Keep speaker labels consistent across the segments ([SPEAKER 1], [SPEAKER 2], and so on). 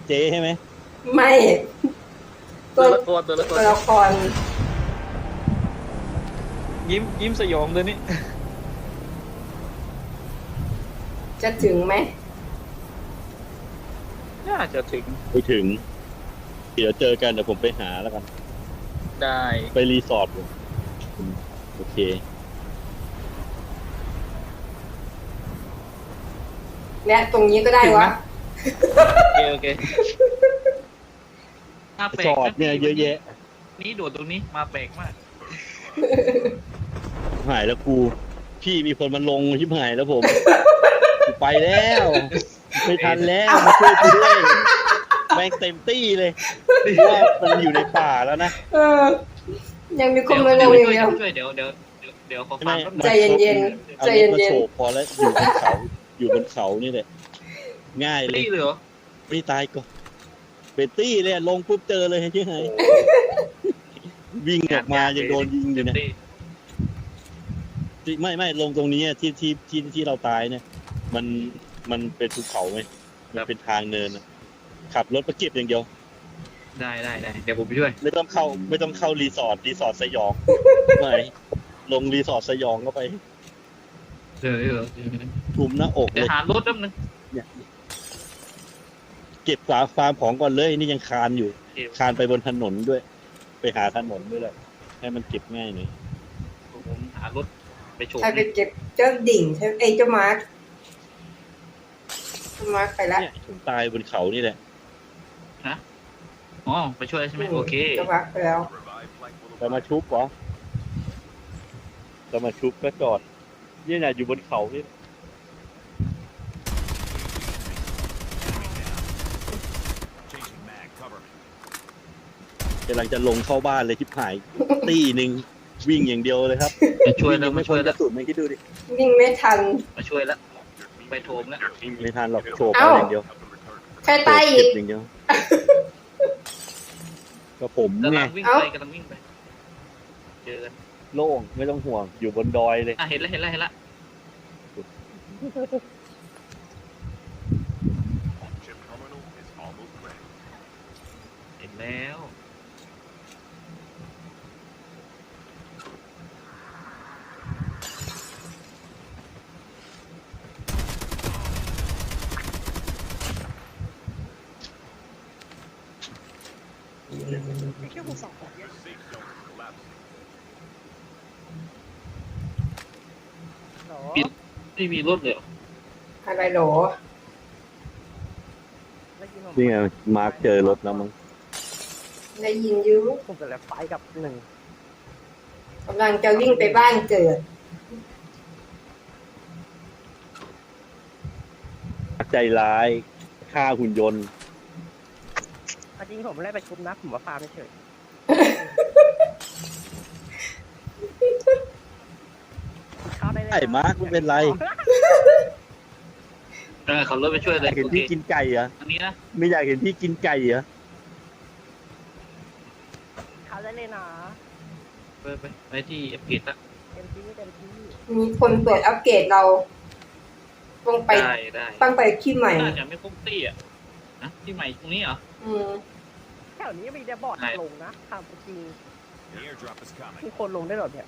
[SPEAKER 1] เจ๊ใช่ไหม
[SPEAKER 2] ไม่
[SPEAKER 3] ตัวละคร
[SPEAKER 2] ตัวละคร
[SPEAKER 3] ยิ้มสยองเลยนี่
[SPEAKER 2] จะถึงไหม
[SPEAKER 3] น่าจะถึง
[SPEAKER 1] ไปถึง เดี๋ยวเจอกันเดี๋ยวผมไปหาแล้วกัน
[SPEAKER 3] ได้
[SPEAKER 1] ไปรีสอร์ทเลยโอเค
[SPEAKER 2] และตรงนี้ก็ได้วะ
[SPEAKER 3] โอเคมาแปล
[SPEAKER 1] ส
[SPEAKER 3] ก
[SPEAKER 1] อดเนี่ยเยอะแยะ
[SPEAKER 3] นี่โดดตรงนี้มาแปลกมาก
[SPEAKER 1] หายแล้วกูพี่มีคนมาลงชิบหายแล้วผมกูไปแล้วไม่ทันแล้วมาช่วยกูด้วยแม่งเต็มตี้เลยเพราะว่ามันอยู่ในป่าแล้วนะ
[SPEAKER 2] เออ ยังมีคนมาลงอย่างเดียว
[SPEAKER 3] ช่วยเดี๋ยวขอฟังแป๊บนึง
[SPEAKER 2] ใจเย็นๆ
[SPEAKER 1] เอา
[SPEAKER 2] ใจ
[SPEAKER 1] รถมา
[SPEAKER 2] เย็น
[SPEAKER 1] โฉบพอแล้วอยู่บนเขานี่แหละง่ายเลย
[SPEAKER 3] ตี้เลยเหรอ
[SPEAKER 1] ไม่ตายก็เป็นตี้เลยลงปุ๊บเจอเลยใช่ไหมวิ่งออกมายังโดนยิงอยู่เนี่ยไม่ลงตรงนี้อะที่เราตายเนี่ย มันเป็นภูเขาไหมมันเป็นทางเนินอะขับรถไปเก็บอย่างเดียว
[SPEAKER 3] ได้เดี๋ยวผมไปช่วย
[SPEAKER 1] ไม่ต้องเข้ารีสอร์ทสยองไม่ลงรีสอร์ทสยองก็ไป
[SPEAKER 3] เดี๋ยว
[SPEAKER 1] ทุมหน้าอกเล
[SPEAKER 3] เดี๋ยวย หารถแป๊บนึง
[SPEAKER 1] เนี่ยเก็บฟาร์มของก่อนเลยนี่ยังคานอยู่ คานไปบนถนนด้วย ไปหาถนนด้วยแหละให้มันเก็บง่ายหน่อย
[SPEAKER 3] ผมหารถไปโฉบ
[SPEAKER 2] ๆใครไปเก็บเจ้าดิ่งใช่เจ้ามาร์คไปแล้ว
[SPEAKER 1] เนี่ยผมตายบนเขานี่แหละ
[SPEAKER 3] อ๋อไปช่วยใช่ไหมโอเค
[SPEAKER 2] เจ้ามาร์คไปแล้ว
[SPEAKER 1] จะมาชุบเหรอจะมาชุบก็จอดเนี่ยนะอยู่บนเขานี่กำลังจะลงเข้าบ้านเลยที่ผาย ตีหนึ่งวิ่งอย่างเดียวเลยครับ
[SPEAKER 3] มาช่วยแล้ว
[SPEAKER 1] ง
[SPEAKER 3] มา
[SPEAKER 1] ไม่
[SPEAKER 3] ช่วย
[SPEAKER 1] ก
[SPEAKER 3] แล้
[SPEAKER 1] ระ
[SPEAKER 3] ว
[SPEAKER 1] สุนไม่คิดดูดิ
[SPEAKER 2] วิ่งไม่ทัน
[SPEAKER 3] มาช่วยแล้วไปโถมแล้ว
[SPEAKER 1] ไม่ทันหรอกโฉบ
[SPEAKER 2] เอ้า
[SPEAKER 1] เอาอย่างเดียว
[SPEAKER 2] ใครตายอีก
[SPEAKER 1] เก็บอย่างเดียวก็ผม
[SPEAKER 3] กำ
[SPEAKER 1] ไง
[SPEAKER 3] ลังวิ่ง
[SPEAKER 2] เอ้า
[SPEAKER 3] ไปเจอกัน
[SPEAKER 1] โล่งไม่ต้องห่วงอยู่บนดอยเลย
[SPEAKER 3] เห็นแล้วเห็นแล้ว ไม่มีรถเลยเหรอ
[SPEAKER 2] อะไรโหรอ
[SPEAKER 1] นี่ไงมาร์คเจอรถแล้วมั้ง
[SPEAKER 2] ได้ยินอยู
[SPEAKER 4] ผมจะแลบไฟกับหนึ่ง
[SPEAKER 2] กำลังจะวิ่งไปบ้านเกิด
[SPEAKER 1] ใจร้ายฆ่าหุ่นยนต์
[SPEAKER 4] จริงผมไม่ได้ไปชุบนะผมว่าฟาร์มเฉยเข้าได้เลย
[SPEAKER 1] ไอ้มาร์คไม่เป็นไร
[SPEAKER 3] ขับรถไปช่วย
[SPEAKER 1] อ
[SPEAKER 3] เลย
[SPEAKER 1] ยากเห็น
[SPEAKER 3] โอเค
[SPEAKER 1] พี่กินไก่เหรอ
[SPEAKER 3] อันนี้นะ
[SPEAKER 1] ไม่อยากเห็นพี่กินไก่เหรอ
[SPEAKER 4] เข้าได้เลยนะ
[SPEAKER 3] ไปที่เอฟเกตละ
[SPEAKER 4] เต็มที่
[SPEAKER 2] มีคนเปิดอัปเกรดเรา ต้องไป
[SPEAKER 3] ได้
[SPEAKER 2] ต้องไปที่ใหม่
[SPEAKER 3] น่าจะไม่ครบตี้อ่ะนะที่ใหม่ตรงนี้เหรอ
[SPEAKER 2] อืม
[SPEAKER 4] แถวนี้มีแต่บอร์ด
[SPEAKER 3] ไหน
[SPEAKER 4] ลงนะทำจริงมีคนลงได้หรอเนี่ย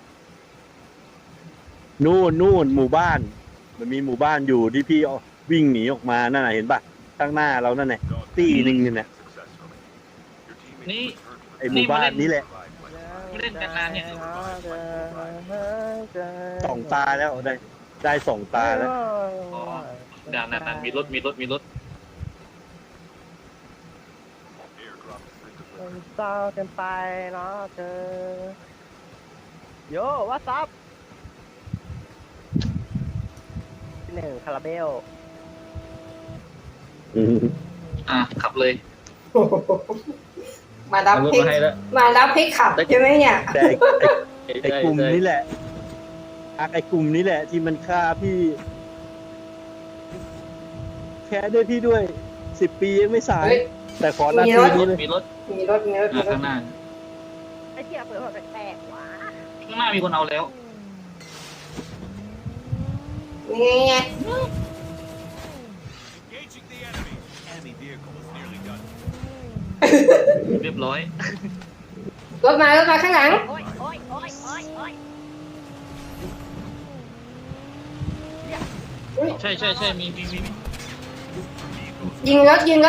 [SPEAKER 1] นู่นหมู่บ้าน มันมีหมู่บ้านอยู่ที่พี่วิ่งหนีออกมานั่นน่ะเห็นปะข้างหน้าเรานั่นแหละตีหนึ่งเนี่ย
[SPEAKER 3] นี่
[SPEAKER 1] ไอ้หมู่บ้านนี้แหละ
[SPEAKER 3] เล่นกันนานเนี่ย
[SPEAKER 1] สองตาแล้วได้สองตาแล้ว
[SPEAKER 3] อ๋อด่านนั้นมีรถ
[SPEAKER 4] เศร้าเกินไปเนาะเธอโย่ว่าซับหนึ่งคาราเบล
[SPEAKER 3] ขับเลย
[SPEAKER 2] มารับ
[SPEAKER 3] รถ
[SPEAKER 2] ให้
[SPEAKER 3] มาให้แล้ว
[SPEAKER 2] มารับให้ขับใช่ไหมเนี่ย
[SPEAKER 1] แต่ไอ้กลุ่มนี้แหละไอ้กลุ่มนี้แหละ ที่มันฆ่าพี่แค่ด้วยพี่ด้วย10 ปียังไม่สาย
[SPEAKER 2] เฮ้ย
[SPEAKER 1] แต่ขอหน้าที่นี้เลย
[SPEAKER 3] มีรถ
[SPEAKER 2] มีรถ
[SPEAKER 3] ข้างหน้า
[SPEAKER 4] ไอ้เทียเปิดหัวแตกๆว่ะ
[SPEAKER 3] ข้างหน้ามีคนเอาแล้ว
[SPEAKER 2] นี่ไง
[SPEAKER 3] เรียบร้อย
[SPEAKER 2] รถมาข้างหลัง
[SPEAKER 5] โอ้ยโอ้ยโอ้ยโอ้ยโอ้ย
[SPEAKER 3] ใช่มี
[SPEAKER 2] ยิงรถ
[SPEAKER 3] อยู่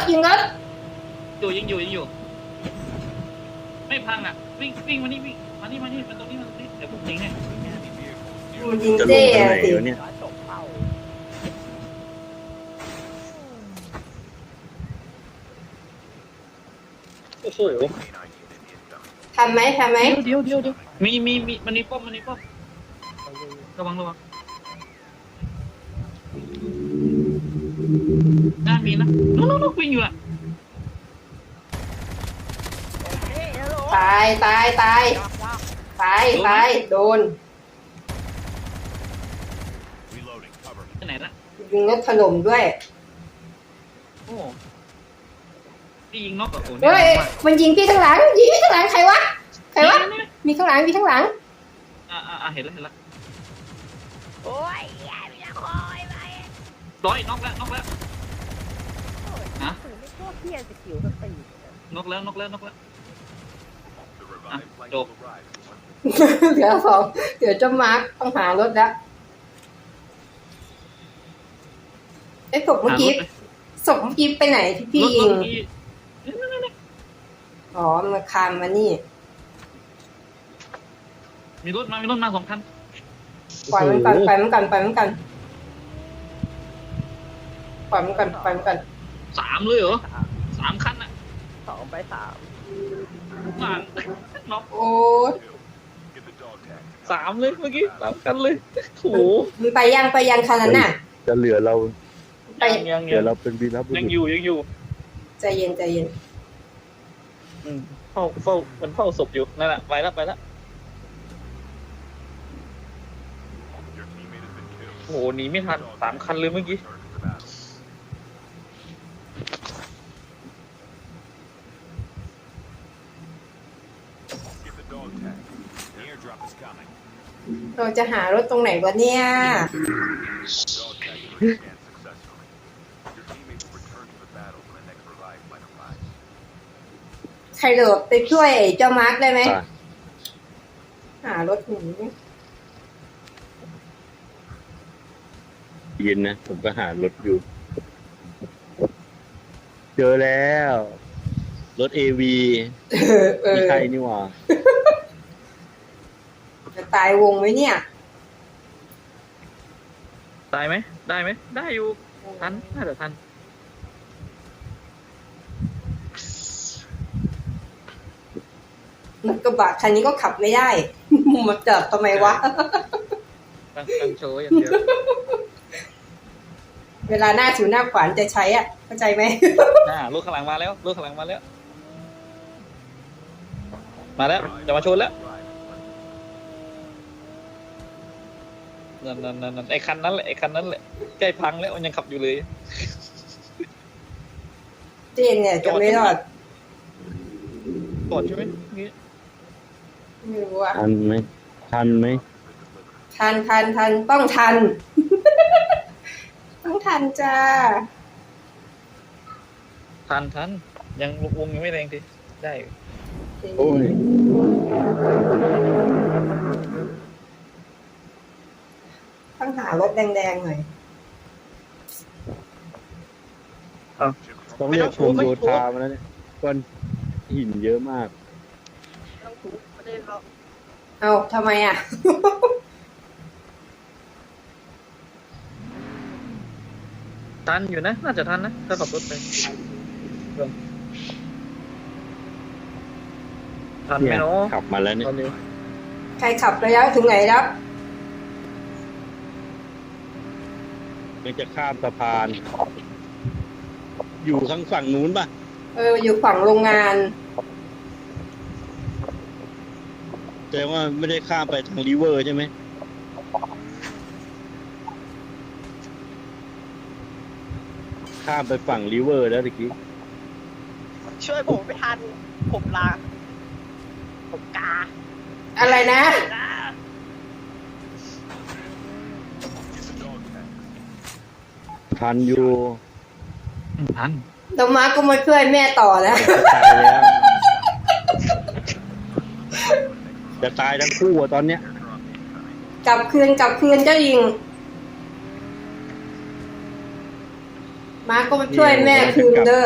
[SPEAKER 3] ไม่พังอ่ะวิ่งมานี่วิ่งมานี่มันตรงนี้เดี๋ยวผมยิงให้
[SPEAKER 2] มันยิง
[SPEAKER 1] จะล
[SPEAKER 2] เจ้
[SPEAKER 1] งตรง
[SPEAKER 2] อะ
[SPEAKER 1] ไหน
[SPEAKER 2] สิ
[SPEAKER 1] วะเนี่ย
[SPEAKER 4] ร้อยตกเป้า
[SPEAKER 3] โอ้โห
[SPEAKER 2] ทำไหม
[SPEAKER 3] เดี๋ยวมีมันมีป้อมระวังน่ามีนะนู้นวิ่งอยู่อ่ะ
[SPEAKER 4] นี่ฮัลโหล
[SPEAKER 2] ตายโดน
[SPEAKER 3] ที่ไหนละ
[SPEAKER 2] ยิงรถถล่มด้วย
[SPEAKER 3] โอ้พี่ยิงนกอ่ะโอ้
[SPEAKER 2] เฮ้ยมันยิงพี่ข้างหลังใครวะมีข้างหลัง
[SPEAKER 3] เห็นแล้ว
[SPEAKER 5] โอ้ยอย่าไปละคอยไป
[SPEAKER 3] ร้อยนกแล้ว
[SPEAKER 5] ถือไม่โคตรเที่ยงสกิลสตี
[SPEAKER 3] นกแล้วจบ
[SPEAKER 2] เหลือสองเดี๋ยวจะมาร์คต้องหารถแล้วศพเมื่อกี้ไปไหนที่พี่ยิงอ๋อมันคานมานี่
[SPEAKER 3] มีรถมา2 คัน
[SPEAKER 2] ปล่อยมันก่อนปล่อยมันก่อน
[SPEAKER 3] 3เลยเหรอ3 คันอ่ะ
[SPEAKER 4] 2 ไป 3
[SPEAKER 3] มานน็อก
[SPEAKER 2] โอ้ย
[SPEAKER 3] 3เลยเมื่อกี้3 คันเลยโอ้โห
[SPEAKER 2] มันไปยังคันนั้นน่ะ
[SPEAKER 1] จะเหลือเรา
[SPEAKER 3] ยัง
[SPEAKER 1] เหลือเราเป็นวีรบุรุ
[SPEAKER 3] ยัง
[SPEAKER 1] ษ
[SPEAKER 3] อยู่
[SPEAKER 2] ใจเย็น
[SPEAKER 3] เฝ้ามันเฝ้าศพอยู่นั่นแหละไปแล้วโอ้โหหนีไม่ทัน3 คันเลยเมื่อกี้
[SPEAKER 2] เราจะหารถตรงไหนวะเนี่ยใครโดดไปช่วยเจ้ามาร์คได้ไหม
[SPEAKER 1] อ่ะ
[SPEAKER 2] หารถหนี
[SPEAKER 1] เย็นนะผมก็หารถอยู่ เจอแล้ว รถ AV มีใครนี่หว่า
[SPEAKER 2] จะตายวงไหมเนี่ย
[SPEAKER 3] ตายไหมได้ไหมได้อยู่ทันน่าจะทัน
[SPEAKER 2] กระบะคันนี้ก็ขับไม่ได้ มาจอดทำไมวะ
[SPEAKER 3] ตั้งโชว์อย่างเดียว
[SPEAKER 2] เวลาหน้าสูนหน้าขวานจะใช้อ่ะ เข้าใจไหม
[SPEAKER 3] รถข้างหลังมาแล้วจะมาชนแล้วนั่นไอ้คันนั้นแหละใกล้พังแล้วมันยังขับอยู่เลย
[SPEAKER 2] เจนเนี่ยจะไม่รอด
[SPEAKER 3] ก่อนใช่ไหมนี่
[SPEAKER 2] ไม่รู้อ่ะ
[SPEAKER 1] ทันไหม
[SPEAKER 2] ทันต้องทัน ต้องทันจ้า
[SPEAKER 3] ทันยังวงยังไม่แรงทีได้
[SPEAKER 1] โอ้ย
[SPEAKER 2] ต้องหารถแดงๆหน่อย
[SPEAKER 1] ต้องเรียกชมโยธามาแล้วเนี่ยก้อนหินเยอะมาก
[SPEAKER 4] ต้องถูกไม่ได้เรา
[SPEAKER 2] เอาทำไมอ่ะ
[SPEAKER 3] ทันอยู่นะน่าจะทันนะถ้าขับรถไปทันไหม
[SPEAKER 1] เนี่ย
[SPEAKER 3] เนาะ
[SPEAKER 1] ขับมาแล้วเนี่ย
[SPEAKER 3] ตอนนี้
[SPEAKER 2] ใครขับไปแล้วถึงไหนแล้ว
[SPEAKER 1] มันจะข้ามสะพาน อยู่ข้างฝั่งนู้นป่ะ
[SPEAKER 2] อยู่ฝั่งโรงงาน
[SPEAKER 1] แต่ว่าไม่ได้ข้ามไปทางริเวอร์ใช่ไหม ข้ามไปฝั่งริเวอร์แล้วตะกี้
[SPEAKER 4] ช่วยผมไม่ทัน ผมลาผมกา
[SPEAKER 2] อะไรนะ
[SPEAKER 1] ทันอยู่
[SPEAKER 3] ทัน
[SPEAKER 2] น้องมาร์คก็มาช่วยแม่ต่อนะ
[SPEAKER 1] ตายแล้วจะตายทั้งคู่อะตอนเนี้ย
[SPEAKER 2] กลับคืนเจ้าหญิง มาร์คก็มาช่วยแม่คืนเด้อ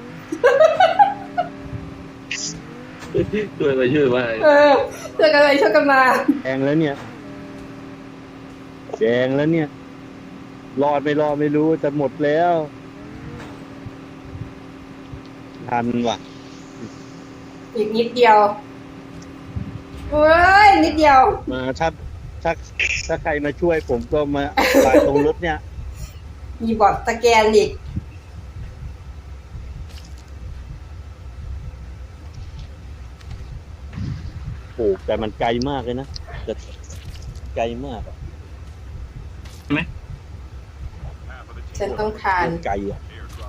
[SPEAKER 3] ช่วยไปช่วยไป
[SPEAKER 2] เออช่วยกันไปช่วยกันมา
[SPEAKER 1] แดงแล้วเนี่ยแดงแล้วเนี่ยรอดไม่รอดไม่รู้แต่หมดแล้วทันว่ะ
[SPEAKER 2] อีกนิดเดียวเฮ้ยนิดเดียว
[SPEAKER 1] มาถ้าใครมาช่วยผมก็มาตายตรงรถเนี่ย
[SPEAKER 2] มีบอดสแกนอีก
[SPEAKER 1] โอ้แต่มันไกลมากเลยนะแต่ไกลมากอะ
[SPEAKER 2] ฉันต้องทาน
[SPEAKER 1] ไกลอ่ะ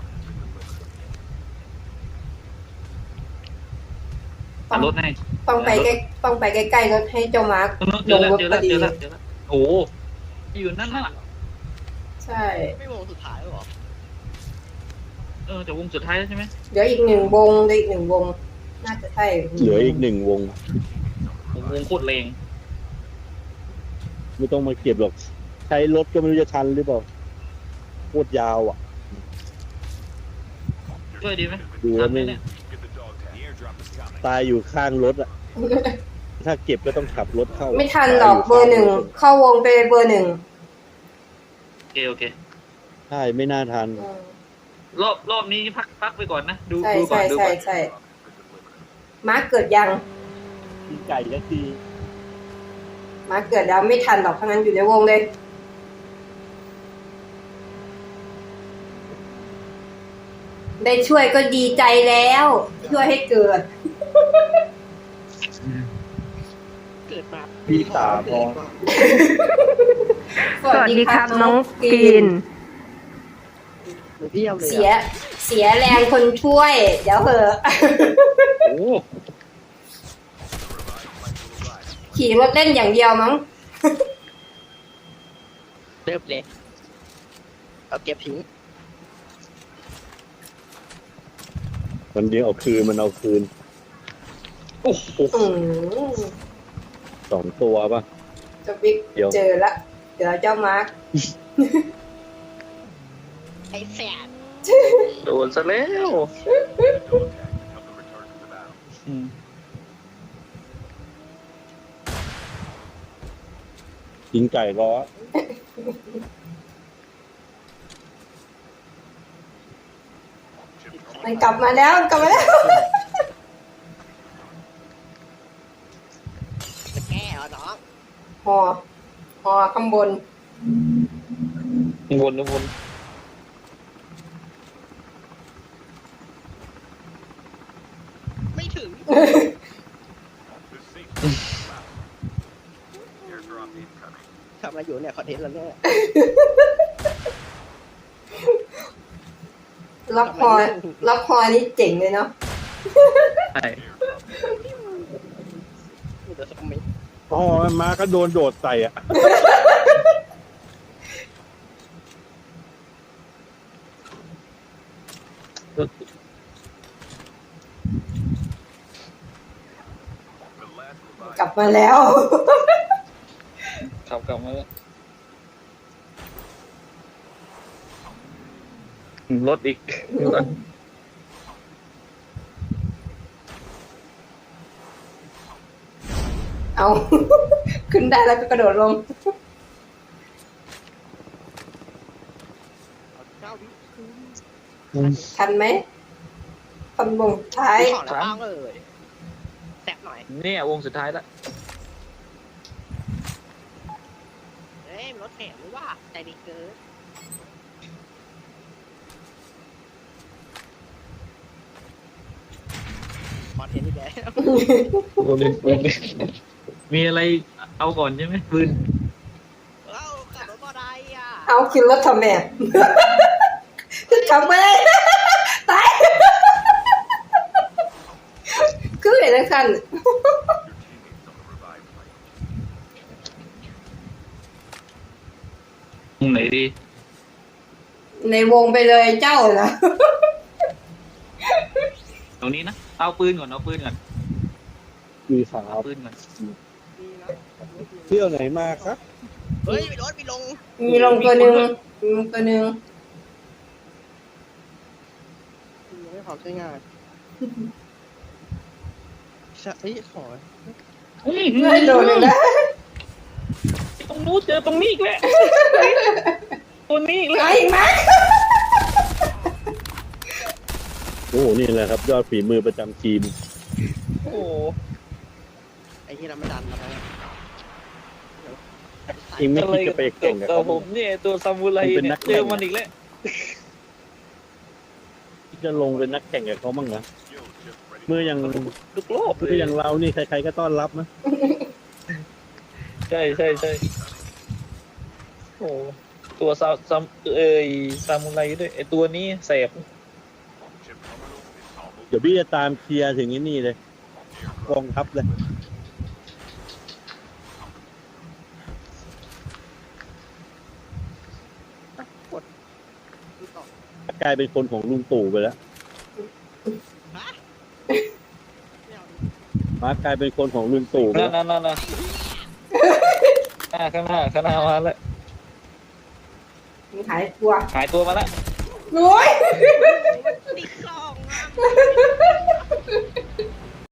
[SPEAKER 3] รถให้
[SPEAKER 2] ต้องไปใกล้ๆรถให้เจ้ามาร์ค
[SPEAKER 3] เจ
[SPEAKER 2] ล
[SPEAKER 3] อง แล้ว
[SPEAKER 2] รถ
[SPEAKER 3] เจอ
[SPEAKER 2] พ
[SPEAKER 3] แล้
[SPEAKER 2] อ
[SPEAKER 3] ว
[SPEAKER 2] ดี
[SPEAKER 3] เจอแล้วเจอแล้วโอ้อยู่นั่นน่ะ
[SPEAKER 2] ใช่
[SPEAKER 5] ไม่วงสุดท้ายหรอ
[SPEAKER 3] แต่วงสุดท้ายแล้วใช่ไหม
[SPEAKER 2] เดี๋ยวอีกหนึ่งวงน่าจะใช่
[SPEAKER 1] เหลืออีก1 วง
[SPEAKER 3] วงโคตรแรง
[SPEAKER 1] ไม่ต้องมาเก็บหรอกใช้รถก็ไม่รู้จะทันหรือเปล่าโคตรยาวอ่ะ
[SPEAKER 3] ช่วยดีไหม
[SPEAKER 1] ดูแล้ว
[SPEAKER 3] ทันไหม
[SPEAKER 1] ไม่
[SPEAKER 3] เนี่ย
[SPEAKER 1] ตายอยู่ข้างรถอ่ะ ถ้าเก็บก็ต้องขับรถเข้า
[SPEAKER 2] ไม่ทันหรอกเบอร์ 1เข้าวงไปเบอร์ 1
[SPEAKER 3] โอเค
[SPEAKER 1] ใช่ไม่น่าทัน
[SPEAKER 3] รอบนี้พักไปก่อนนะดู
[SPEAKER 2] ใช่
[SPEAKER 3] ดูก่อน
[SPEAKER 2] ใช่
[SPEAKER 3] ดู
[SPEAKER 2] ใช่
[SPEAKER 3] ก่อน
[SPEAKER 2] ใช่มาร์คเกิดยัง
[SPEAKER 1] กินไก่แล้วที
[SPEAKER 2] มาร์คเกิดแล้วไม่ทันหรอกทั้งนั้นอยู่ในวงเลย ได้ช่วยก็ดีใจแล้ว ช่วยให้เกิด
[SPEAKER 5] เกิดมา
[SPEAKER 1] พี่ตาพอ
[SPEAKER 2] สวัสดีครับน้องกรีน
[SPEAKER 5] เพี้ยวเลย
[SPEAKER 2] เสียแรงคนช่วย เดี๋ยวเหอะ
[SPEAKER 3] โอ้
[SPEAKER 2] ขี่รถเล่นอย่างเดียวมั้ง
[SPEAKER 5] เริ่มเลยเอาเก็บทิ้ง
[SPEAKER 1] มันเดียวเอาคืนมันเอาคืน
[SPEAKER 3] โอ้โห
[SPEAKER 2] อืม
[SPEAKER 1] 2 ตัวป่ะ
[SPEAKER 2] จะบิ๊ก
[SPEAKER 1] เดี๋ยว
[SPEAKER 2] เจอละ เดี๋ยวเจ้ามาร์ค
[SPEAKER 5] ไอ้แสบ
[SPEAKER 3] โดนซะแล้วอืม
[SPEAKER 1] กินไก่ล้อ
[SPEAKER 2] มันกลับมาแล้ว
[SPEAKER 5] จะแก้เหรอน้อง
[SPEAKER 2] หอข้างบน
[SPEAKER 3] วน
[SPEAKER 5] ไม่ถึง ทำอะไรอยู่เนี่ยคอนเทนต์แล้วเนี่ย
[SPEAKER 2] ล็อกคอนี่เจ๋งเลยเนาะ
[SPEAKER 3] ใช่
[SPEAKER 5] มีแต่สมิธ
[SPEAKER 1] อ๋อมาก็โดนโดดใส่อ่ะ
[SPEAKER 2] กลับมาแล้ว
[SPEAKER 3] ขับกลับมาแล้วรถอีก
[SPEAKER 2] เอา ขึ้นได้แล้วก็กระโดดลง ทันไหมทันวงท้าย
[SPEAKER 5] ของแล้วบ้างเลยแสบหน่อย
[SPEAKER 3] เนี่ยวงสุดท้ายแล้ว
[SPEAKER 5] เฮ้ยรถแถมหรือว่าใจดีเกินคอนเทนต์อีกแล้ว
[SPEAKER 3] มีอะไรเอาก่อนใช่ไหมปืน
[SPEAKER 5] เอ้าขับรถมอไซค์อ่ะ
[SPEAKER 2] เอาขึ้นรถทำแม่ ขับไปเลย ตาย คือเห็นแล้วคัน
[SPEAKER 3] ตรงไหนดี
[SPEAKER 2] ในวงไปเลยเจ้านะ
[SPEAKER 3] ตรงนี้นะเอาปืนก่อนเอาปืนก่อน
[SPEAKER 1] มีขา
[SPEAKER 3] เอาปืนก่อน
[SPEAKER 1] เที่ยวไหนมาครับ
[SPEAKER 5] เฮ้ยมีรถมีลง
[SPEAKER 2] มีลงตัวหนึ่งมีลงตัวหนึ่ง
[SPEAKER 4] ไม่ขอใช้งานใช่ขอ
[SPEAKER 2] ไม่โดนเลยนะ
[SPEAKER 3] ตรงนู้นเจอตรงนี้อีกแล้วตัวนี้อีกแล้ว
[SPEAKER 2] ไอ้มา
[SPEAKER 1] โอ้โหนี่แหละครับ ยอดฝีมือประจำทีม
[SPEAKER 3] โอ้โห
[SPEAKER 4] ไอ้ที่เราไม่ดันเราไป
[SPEAKER 1] เองไม่คิดจะไปแข่งกับ
[SPEAKER 3] ตัว
[SPEAKER 1] เขา
[SPEAKER 3] ผมเนี่ยตัวซามูไร
[SPEAKER 1] เป็น
[SPEAKER 3] เนี่
[SPEAKER 1] นั
[SPEAKER 3] ย
[SPEAKER 1] กแข่ง
[SPEAKER 3] เจอมันอีกแล้ว
[SPEAKER 1] คิดจะลงเป็นนักแข่งกับเขาบ้างนะเมื่อยัง
[SPEAKER 3] ทุกรอบเล
[SPEAKER 1] เมื่อย อย่างเรานี่ใครๆก็ต้อนรับนะ
[SPEAKER 3] ใช่ใช่ใช่โอ้ตัวซามูไรด้วยไอตัวนี้แสบ
[SPEAKER 1] เดี๋ยวพี่จะตามเคลียร์ถึงนี่เลยกองทัพเลยกลายเป็นคนของลุงตู่ไปแล้วมากลายเป็นคนของลุงตู่ไป
[SPEAKER 3] นั่
[SPEAKER 1] แล้
[SPEAKER 3] น
[SPEAKER 1] ว
[SPEAKER 3] นั่นนั่นข้างหน้ามาแล้ว
[SPEAKER 2] มีหายกลัว
[SPEAKER 3] หายตัวมาแล้ว
[SPEAKER 2] โอ้ย
[SPEAKER 5] ติดกล่องอะ